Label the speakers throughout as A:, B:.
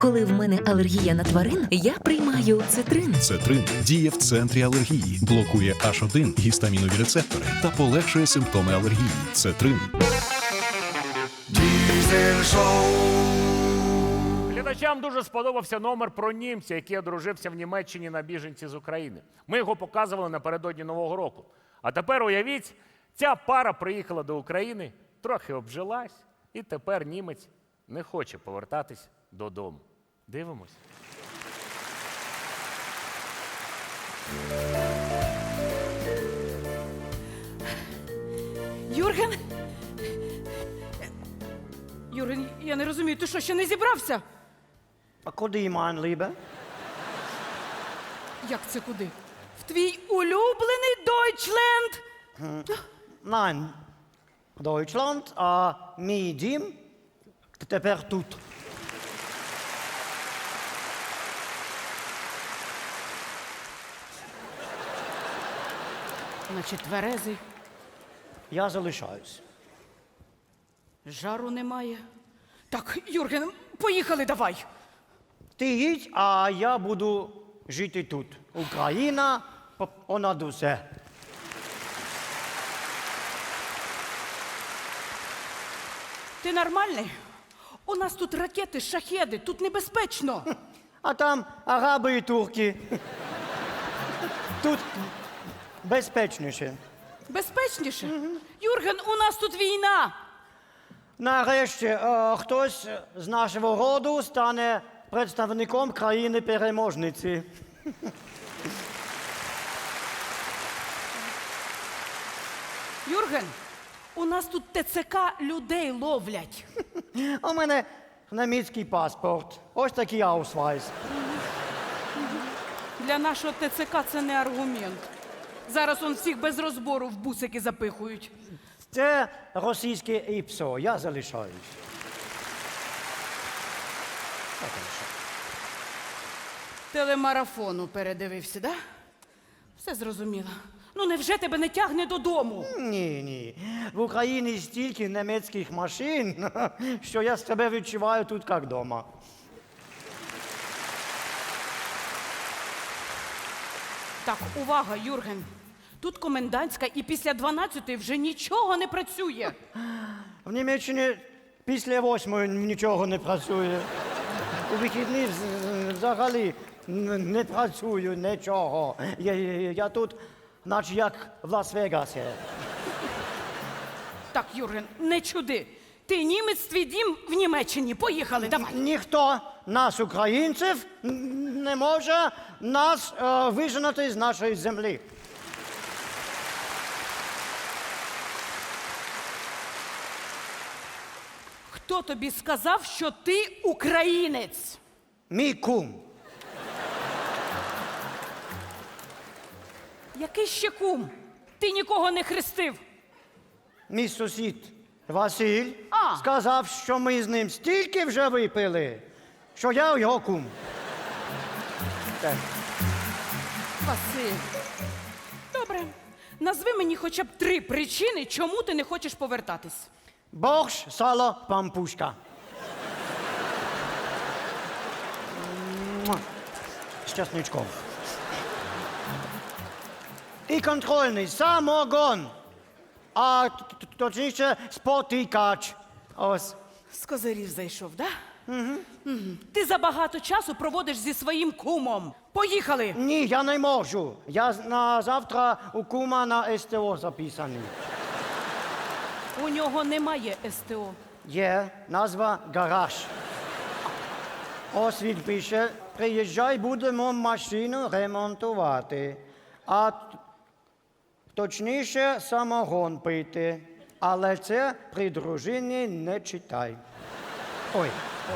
A: Коли в мене алергія на тварин, я приймаю цитрин.
B: Цетрин діє в центрі алергії, блокує H1 гістамінові рецептори та полегшує симптоми алергії. Цетрин.
C: Diesel Show.
D: Глядачам дуже сподобався номер про німця, який одружився в Німеччині на біженці з України. Ми його показували напередодні Нового року. А тепер уявіть, ця пара приїхала до України, трохи обжилась, і тепер німець не хоче повертатись додому. Дивимось.
E: Юрген? Юрген, я не розумію, ти що, ще не зібрався?
F: А куди, mein Liebe?
E: Як це куди? В твій улюблений Дойчленд?
F: Nein, Deutschland, а мій дім тепер тут.
E: Значить, тверезий,
F: Я залишаюсь.
E: жару немає. Так, Юрген, поїхали давай.
F: Ти їдь, а я буду жити тут. Україна понад усе.
E: Ти нормальний? У нас тут ракети, шахеди, тут небезпечно.
F: А там араби і турки. Тут безпечніше.
E: Безпечніше? Юрген, у нас тут війна.
F: Нарешті хтось з нашого роду стане представником країни-переможниці.
E: Юрген, у нас тут ТЦК людей ловлять.
F: У мене німецький паспорт. Ось такий аусвайс.
E: Для нашого ТЦК це не аргумент. Зараз он всіх без розбору в бусики запихують.
F: Це російське ІПСО. Я залишаюсь.
E: Телемарафону передивився, да? Все зрозуміло. Ну невже тебе не тягне додому?
F: Ні. В Україні стільки німецьких машин, що я себе відчуваю тут як вдома.
E: Так, увага, Юрген. Тут комендантська і після 12-ї вже нічого не працює.
F: В Німеччині після 8-ї нічого не працює. У вихідні взагалі не працюю нічого. Я тут, наче як в Лас-Вегасі.
E: Так, Юрген, не чуди. Ти німець, твій дім в Німеччині. Поїхали, давай.
F: Ніхто нас, українців, не може нас виженати з нашої землі.
E: Хто тобі сказав, що ти українець?
F: Мій кум.
E: Який ще кум? Ти нікого не хрестив.
F: Мій сусід Василь
E: А.
F: сказав, що ми з ним стільки вже випили, що я його кум. Так.
E: Василь. Добре. Назви мені хоча б 3 причини, чому ти не хочеш повертатись.
F: Борщ, сало, пампушка. Муа. З чесничком. І контрольний самогон. А точніше спотикач. Ось.
E: З козирів зайшов, да? Угу. Ти забагато часу проводиш зі своїм кумом. Поїхали!
F: Ні, я не можу. Я на завтра у кума на СТО записаний.
E: У нього немає СТО.
F: Є назва гараж. Ось він пише, приїжджай, будемо машину ремонтувати. А точніше самогон пити. Але це при дружині не читай. Ой.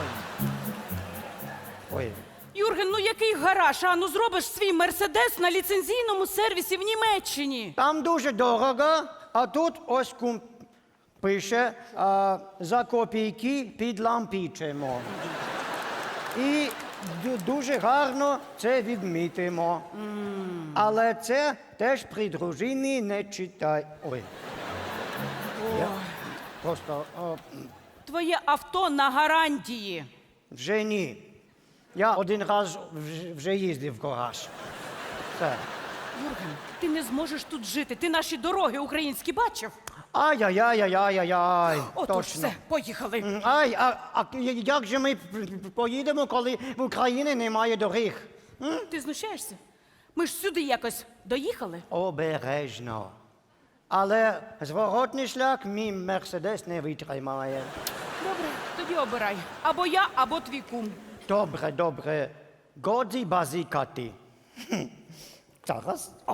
E: Юрген, ну який гараж? А ну зробиш свій мерседес на ліцензійному сервісі в Німеччині.
F: Там дуже дорого, а тут ось кум пише, за копійки підлампічимо. І дуже гарно це відмітимо. Але це теж при дружині не читай. Ой. Я просто
E: Твоє авто на гарантії.
F: вже ні. Я один раз вже їздив в гараж. Все.
E: Юрген, ти не зможеш тут жити. Ти наші дороги українські бачив?
F: Ай-яй-яй-яй-яй.
E: Отож,
F: Точно.
E: все, поїхали.
F: Ай, як же ми поїдемо, коли в Україні немає доріг?
E: Ти знущаєшся? Ми ж сюди якось доїхали.
F: Обережно. Але зворотний шлях мій Мерседес не витримає.
E: Добре, тоді обирай. Або я, або твій кум.
F: Добре, добре. Годі базікати. Зараз. О,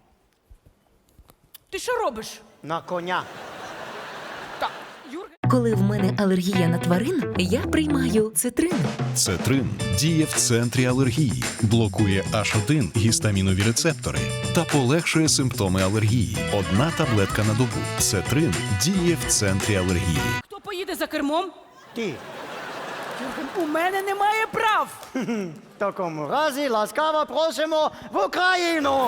E: Ти що робиш?
F: на коня.
E: Так, Юрген.
A: Коли в мене алергія на тварин, я приймаю цитрин.
B: Цетрин діє в центрі алергії, блокує H1 гістамінові рецептори та полегшує симптоми алергії. Одна таблетка на добу. Цетрин діє в центрі алергії.
E: Хто поїде за кермом?
F: Ти.
E: Юрген, у мене немає прав.
F: В такому разі ласкаво просимо в Україну.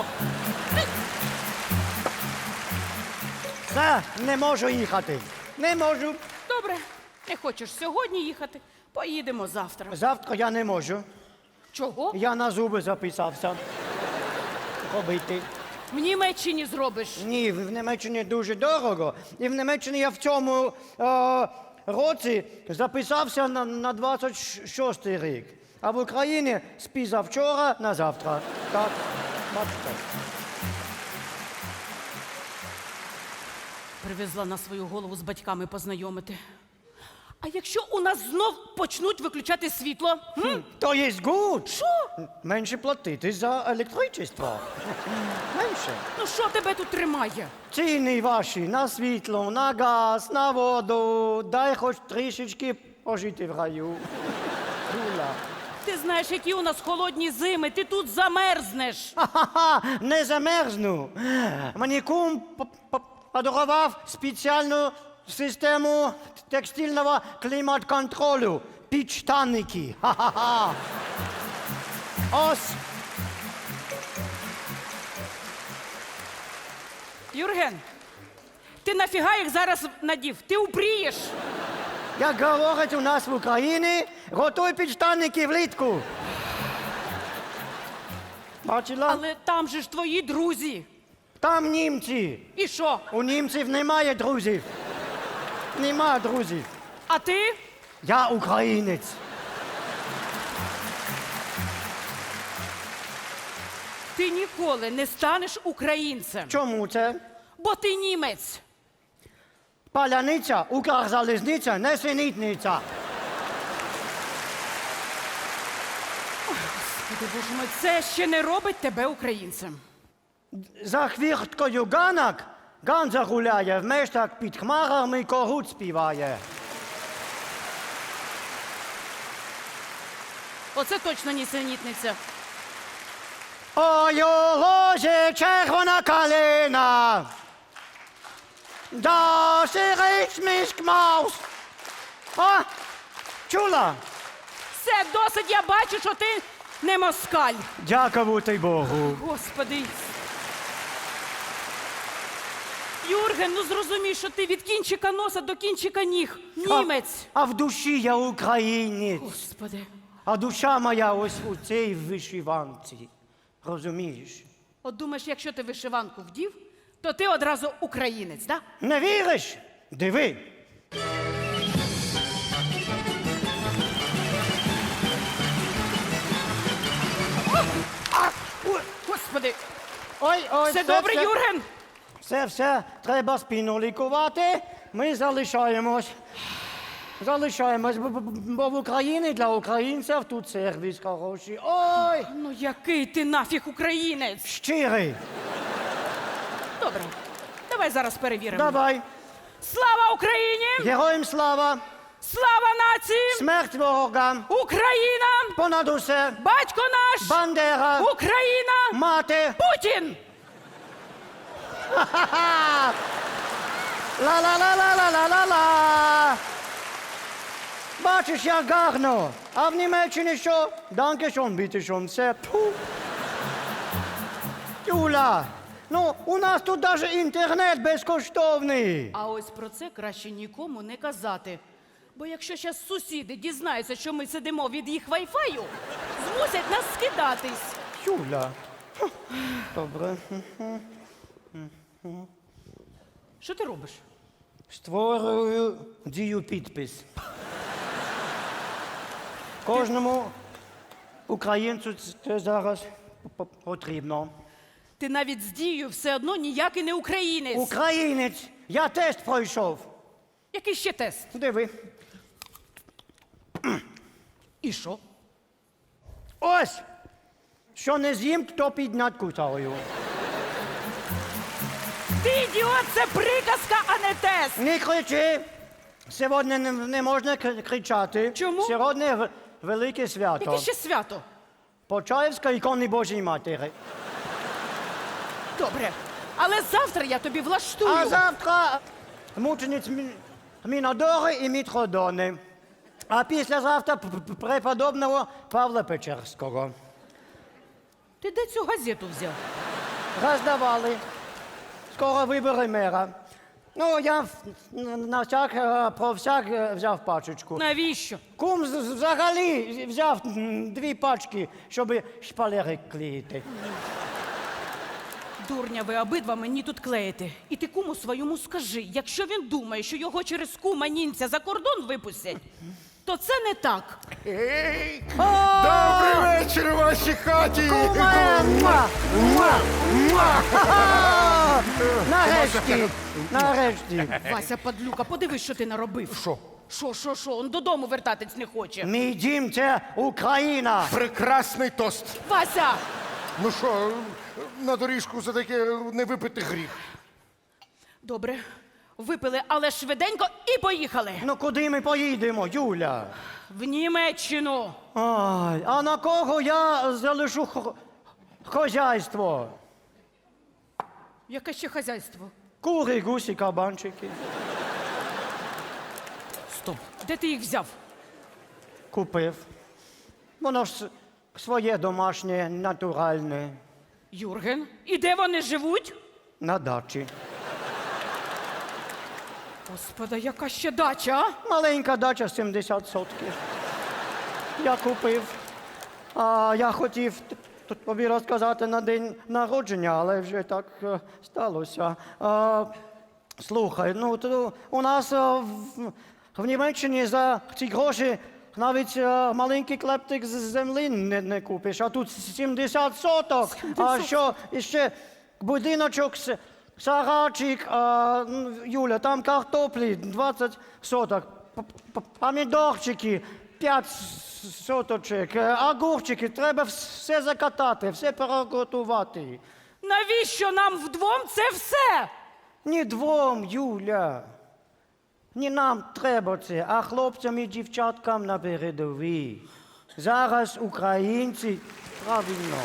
F: Все, не можу їхати. Не можу.
E: Добре, не хочеш сьогодні їхати? Поїдемо завтра.
F: Завтра я не можу.
E: Чого?
F: Я на зуби записався. Робити.
E: В Німеччині зробиш.
F: Ні, в Німеччині дуже дорого. І в Німеччині я в цьому році записався на 26-й рік. А в Україні з позавчора на завтра. Так, бачите.
E: Привезла на свою голову з батьками познайомити. А якщо у нас знов почнуть виключати світло?
F: То є гуд.
E: Що?
F: Менше платити за електричество. Менше.
E: Ну що тебе тут тримає?
F: Ціни ваші на світло, на газ, на воду. Дай хоч трішечки пожити в раю. Дула.
E: Ти знаєш, які у нас холодні зими, ти тут замерзнеш.
F: Ха-ха-ха, не замерзну. Мені кум подарував спеціальну систему текстильного клімат-контролю. Підштанники. Ха-ха-ха. Ось.
E: Юрген, ти нафіга їх зараз надів? Ти упрієш.
F: Як говорять у нас в Україні, готуй підштанники влітку. Бачила?
E: Але там же ж твої друзі.
F: Там німці.
E: І що?
F: У німців немає друзів. Нема друзів.
E: А ти?
F: Я українець.
E: Ти ніколи не станеш українцем,
F: Чому це?
E: бо ти німець.
F: Паляниця, Укрзалізниця, несенітниця.
E: Господи, Боже мой, це ще не робить тебе українцем.
F: За хвірткою ганок Ганза гуляє, в мештах під хмарами когут співає.
E: Оце точно нісенітниця.
F: Ой, у лозі червона калина, да сирич мішк маус. А, чула?
E: Все, досить, я бачу, що ти не москаль.
F: Дякувати Богу.
E: Господи. Юрген, ну зрозумій, що ти від кінчика носа до кінчика ніг. Німець.
F: А в душі я українець.
E: Господи.
F: А душа моя ось у цій вишиванці. Розумієш?
E: От думаєш, якщо ти вишиванку вдів, то ти одразу українець, да?
F: Не віриш? Диви.
E: Господи.
F: Ой, ой,
E: Все добре, Юрген?
F: Все, треба спину лікувати. Ми залишаємось. Залишаємось, бо в Україні для українців тут сервіс хороший. Ой,
E: Ну який ти нафіг українець?
F: щирий.
E: Добре, давай зараз перевіримо.
F: Давай.
E: Слава Україні!
F: Героям слава,
E: Слава нації!
F: смерть ворогам,
E: Україна!
F: понад усе,
E: Батько наш!
F: Бандера,
E: Україна!
F: мати.
E: Путін!
F: Ха-ха! Ла-ла-ла-ла-ла-ла-ла! Бачиш, як гарно. А в Німеччині що? Данкешон, бітешон, все. Тьфу. Юля, ну, у нас тут навіть інтернет безкоштовний.
E: А ось про це краще нікому не казати. Бо якщо зараз сусіди дізнаються, що ми сидимо від їх вайфаю, змусять нас скидатись.
F: Юля. Добре.
E: Що ти робиш?
F: Створюю дію підпис. Кожному українцю це зараз потрібно.
E: Ти навіть з дією все одно ніякий не українець.
F: Українець! Я тест пройшов.
E: Який ще тест?
F: Диви.
E: І що?
F: Ось! Що не з'їм, то піднять кусаю.
E: Ти ідіот, це приказка, а не тест!
F: Не кричи! Сьогодні не можна кричати.
E: Чому?
F: Сьогодні велике свято.
E: Яке ще свято?
F: Почаївська ікони Божої Матері.
E: Добре. Але завтра я тобі влаштую.
F: А завтра мучениць Мінодори і Мітродони. А післязавтра преподобного Павла Печерського.
E: Ти де цю газету взяв?
F: Роздавали. Скоро вибори мера. Ну, я на всяк, про всяк взяв пачечку.
E: Навіщо?
F: Кум взагалі взяв 2 пачки, щоб шпалери клеїти.
E: Дурня ви обидва мені тут клеїте. І ти куму своєму скажи, якщо він думає, що його через кума нінця за кордон випустять, то це не так.
C: Добрий вечір у вашій хаті!
F: Куме! Муа! Муа! Муа! Ха-ха! Нарешті! Нарешті!
E: Вася, падлюка, подивись, що ти наробив. Що? Он додому вертатись не хоче.
F: Мій дім – це Україна!
C: Прекрасний тост.
E: Вася!
C: Ну що, на доріжку за таке не випити гріх.
E: Добре, випили, але швиденько і поїхали.
F: Ну куди ми поїдемо, Юля?
E: В Німеччину.
F: Ай, а на кого я залишу хозяйство?
E: Яке ще хазяйство?
F: Кури, гусі, кабанчики.
E: Стоп. Де ти їх взяв?
F: Купив. Воно ж своє домашнє, натуральне.
E: Юрген. І де вони живуть?
F: На дачі.
E: Господа, яка ще дача, а?
F: Маленька дача, 70 сотків. Я купив. А я хотів тобі розказати на день народження, але вже так сталося. Слухай, ну то у нас в Німеччині за ці гроші навіть маленький клептик з землі не купиш, а тут 70 соток. А що ще будиночок, сарайчик, Юля, там картоплі 20 соток, помідорчики 5 соточок, огурчики, треба все закатати, все переготувати.
E: Навіщо нам вдвом це все?
F: Ні двом, Юля. Не нам треба це, а хлопцям і дівчаткам на передовій. Зараз українці правильно.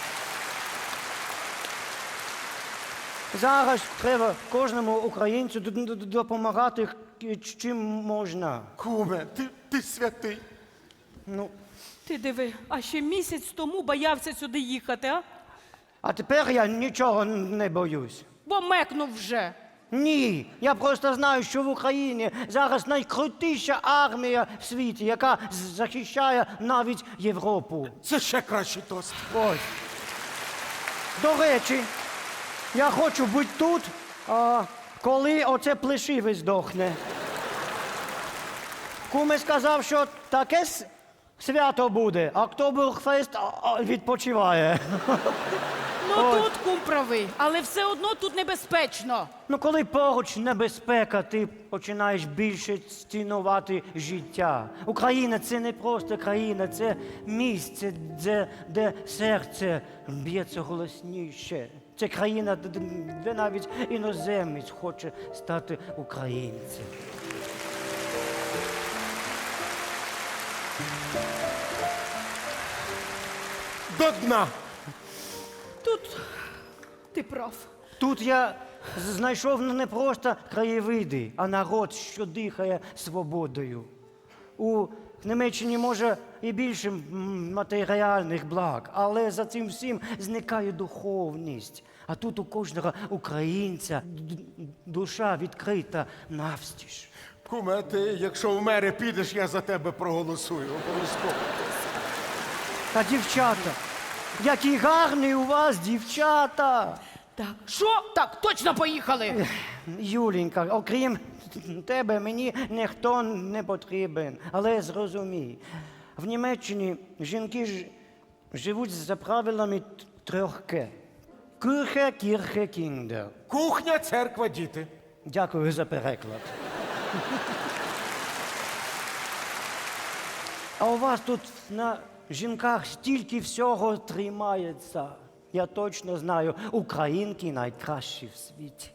F: Зараз треба кожному українцю допомагати чим можна.
C: Куме, ти святий.
F: Ну,
E: Ти диви, а ще місяць тому боявся сюди їхати, а?
F: а тепер я нічого не боюсь.
E: Бо мекнув вже.
F: Ні, я просто знаю, що в Україні зараз найкрутіша армія в світі, яка захищає навіть Європу.
C: Це ще кращий тост.
F: Ось. До речі, я хочу бути тут, коли оце плешиве здохне. Куме сказав, що таке свято буде, Октоберфест відпочиває.
E: Ну тут кум правий, але все одно тут небезпечно.
F: Ну, коли поруч небезпека, ти починаєш більше цінувати життя. Україна – це не просто країна, це місце, де серце б'ється голосніше. Це країна, де навіть іноземець хоче стати українцем.
C: До дна.
E: Тут ти прав.
F: Тут я знайшов не просто краєвиди, а народ, що дихає свободою. У Німеччині може і більше матеріальних благ, але за цим всім зникає духовність. А тут у кожного українця душа відкрита навстіж.
C: Куме, ти, якщо в мери підеш, я за тебе проголосую. Обов'язково.
F: Та дівчата, які гарні у вас дівчата.
E: Так, що? Так, точно поїхали.
F: Юленька, окрім тебе, мені ніхто не потрібен. Але зрозумій, в Німеччині жінки живуть за правилами трьох К. Кюрхе, кірхе, кіндер.
C: Кухня, церква, діти.
F: Дякую за переклад. А у вас тут на жінках стільки всього тримається. Я точно знаю, українки найкращі в світі.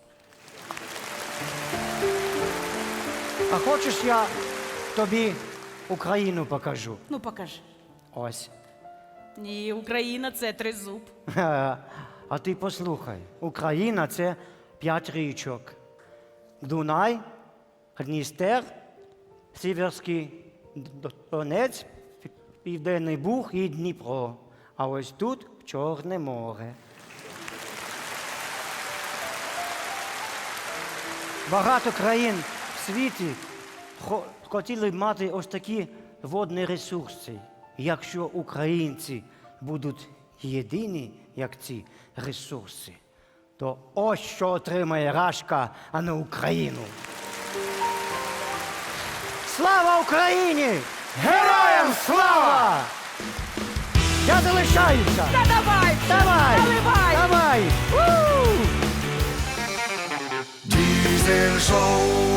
F: А хочеш, я тобі Україну покажу?
E: Ну, покажи.
F: Ось.
E: Ні, Україна це тризуб.
F: А ти послухай, Україна це 5 річок. Дунай, Дністер, Сіверський Донець, Південний Буг і Дніпро. А ось тут Чорне море. Багато країн в світі хотіли б мати ось такі водні ресурси. Якщо українці будуть єдині, як ці ресурси, то ось що отримає Рашка, а не Україну. Слава Україні!
C: Героям слава!
F: Я залишаюся!
E: Та давай!
F: Давай!
E: Наливай!
F: Давай!
G: Diesel Show.